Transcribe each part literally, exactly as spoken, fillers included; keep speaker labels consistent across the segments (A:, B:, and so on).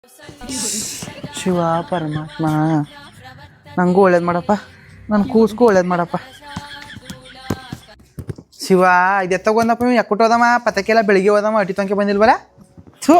A: ಶಿವ ಪರಮಾತ್ಮ ನಂಗೂ ಒಳ್ಳೇದು ಮಾಡಪ್ಪ, ನನ್ನ ಕೂಸ್ಗೂ ಒಳ್ಳೇದು ಮಾಡಪ್ಪ. ಶಿವ ಇದು ಎತ್ತಗೊಂದಪ್ಪ ನೀವು ಯಾಕೊಟ್ಟು ಹೋದಮ್ಮ ಪತಕ್ಕೆಲ್ಲ ಬೆಳಿಗ್ಗೆ ಹೋದಮ್ಮ ಅಟಿ ತನಕ ಬಂದಿಲ್ವಲ್ಲ. ಥೂ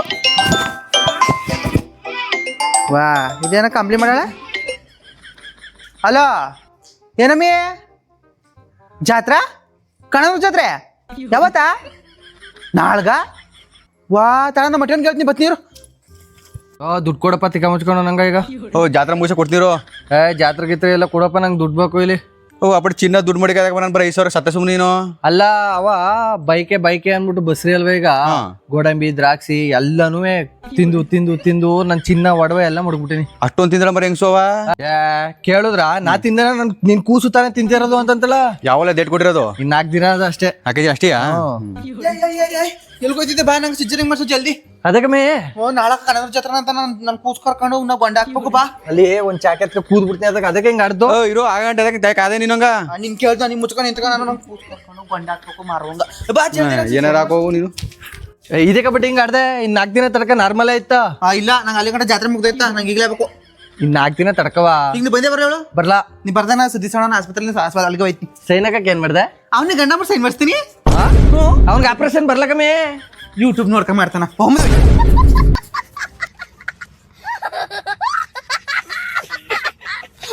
A: ವಾ ಇದೇನ ಕಂಪ್ಲಿ ಮಾಡಾಳ. ಹಲೋ ಏನಮ್ಮಿ ಜಾತ್ರಾ ಕಣದ ಜಾತ್ರೆ ಯಾವತ್ತ ನಾಳ್ಗ? ವಾ ತಳ ಮಟನ್ ಕೇಳ್ತೀನಿ ಬತ್ನೀರು.
B: ದುಡ್ಡು ಕೊಡಪ್ಪ ತಿಕ್ಕ ಮುಚ್ಕೊಂಡು ನಂಗೆ ಈಗ.
C: ಓ ಜಾತ್ರೆ ಮುಗಿಸ ಕೊಡ್ತೀರೋ?
B: ಏ ಜಾತ್ರೆ ಗಿತ್ರೆ ಎಲ್ಲ ಕೊಡಪ್ಪ, ನಂಗೆ ದುಡ್ಡು ಬೇಕು ಇಲ್ಲಿ.
C: ಓ ಅಪ್ಪಟ್ಟು ಚಿನ್ನ ದುಡ್ಡು ಮಾಡಿ ನಾನು ಬರೀ ಐದು ಸಾವಿರ ಸತ್ತ ಸುಮ್ಮನೆ ನೀನು.
B: ಅಲ್ಲ ಅವ ಬೈಕೆ ಬೈಕೆ ಅಂದ್ಬಿಟ್ಟು ಬಸ್ರಿ ಅಲ್ವ ಈಗ. ಗೋಡಂಬಿ ದ್ರಾಕ್ಷಿ ಎಲ್ಲಾನು ತಿಂದು ತಿಂದು ತಿಂದು ನನ್ ಚಿನ್ನ ಒಡವೆ ಎಲ್ಲ ಮುಡ್ಬಿಟ್ಟಿನಿ.
C: ಅಷ್ಟೊಂದು ತಿಂದ್ರ ಬರೀ ಹೆಂಗ್ಸೋವ
B: ಕೇಳುದ್ರ ನಾ ತಿಂದ ನನ್ ನಿನ್ ಕೂಸು ತಾನೇ ತಿಂತಿರೋದು ಅಂತಂತಲ್ಲ.
C: ಯಾವಲ್ಲ ಡೇಟ್ ಕೊಟ್ಟಿರೋದು?
B: ಇನ್ ನಾಲ್ಕು ದಿನ ಅದ ಅಷ್ಟೇ.
C: ನಾಲ್ಕು ಅಷ್ಟೇ
A: ಎಲ್ಗೋಯ್ತಿದ್ದೆ ಬಾ, ನಂಗೆ ಸಿಜ್ಜರಿಂಗ್ ಮಾಡ್ಸು ಜಲ್ದಿ.
B: ಅದಕ್ಕೆ ಮೇ
A: ಓ ನಾಳೆ ಕನಕ ಜಾತ್ರೆ ಅಂತ ನನ್ ನನ್ ಕೂಸ್ ಕರ್ಕೊಂಡು ನಾ ಬಂಡ ಹಾಕ್ಬೇಕು ಬಾ.
B: ಅಲ್ಲಿ ಒಂದ್ ಚಾಕೆಟ್ ಕೂದ್ ಬಿಡ್ತೀನಿ ಅದಕ್ಕೆ ಅದಕ್ಕೆ ಹಿಂಗ ಆಡ್ದು
C: ಇರೋ ಆಗಂಟೆ ಅದಕ್ಕೆ ಕಾದೆ ನೀನಂಗ
A: ನಿನ್ ಕೇಳ್ದ ನಿಮ್ ಮುಚ್ಕೊಂಡು ನಿಂತ್ಕ ನಾನು ನನ್ ಕೂಸ್ ಕರ್ಕೊಂಡು ಬಂಡ ಹಾಕ್ಬೇಕು ಮಾರುವಂಗ ಬಾ ಜಲ್ದಿ.
C: ಏನಾರ ಹಾಕೋ ನೀನು.
B: ಇದಕ್ಕೆ ಬಿಟ್ಟು ಹಿಂಗ ಆಡ್ದೆ. ಇನ್ ನಾಲ್ಕು ದಿನ ತಡಕ ನಾರ್ಮಲ್ ಆಯ್ತಾ?
A: ಆ ಇಲ್ಲ ನಂಗೆ ಅಲ್ಲಿ ಗಂಟ ಜಾತ್ರೆ ಮುಗ್ದೈತಾ, ನಂಗೆ ಈಗಲೇ ಬೇಕು.
B: ಇನ್ ನಾಲ್ಕು ದಿನ ತಡ್ಕವಾ.
A: ಈಗ ನೀ ಬಂದೇ ಬರ ಹೇಳು.
B: ಬರ್ಲಾ
A: ನೀ ಬರ್ದಾನ ಸುದ್ದಿಸೋಣ ಆಸ್ಪತ್ರೆ ಆಸ್ಪತ್ರೆ ಅಲ್ಲಿಗೆ ಹೋಯ್ತೀನಿ.
B: ಸೈನಕಕ್ಕೆ ಏನ್ ಮಾಡ್ದೆ?
A: ಅವ್ನಿಗೆ ಗಂಡ ಮಾಡಿ ಸೈನ್ ಮಾಡಿಸ್ತೀನಿ.
B: ಅವ್ನಿಗೆ ಆಪರೇಷನ್ ಬರ್ಲಕಮ್ಮಿ.
A: ಯೂಟ್ಯೂಬ್ ನೋಡ್ಕೊಂಡ್ ಮಾಡ್ತಾನ.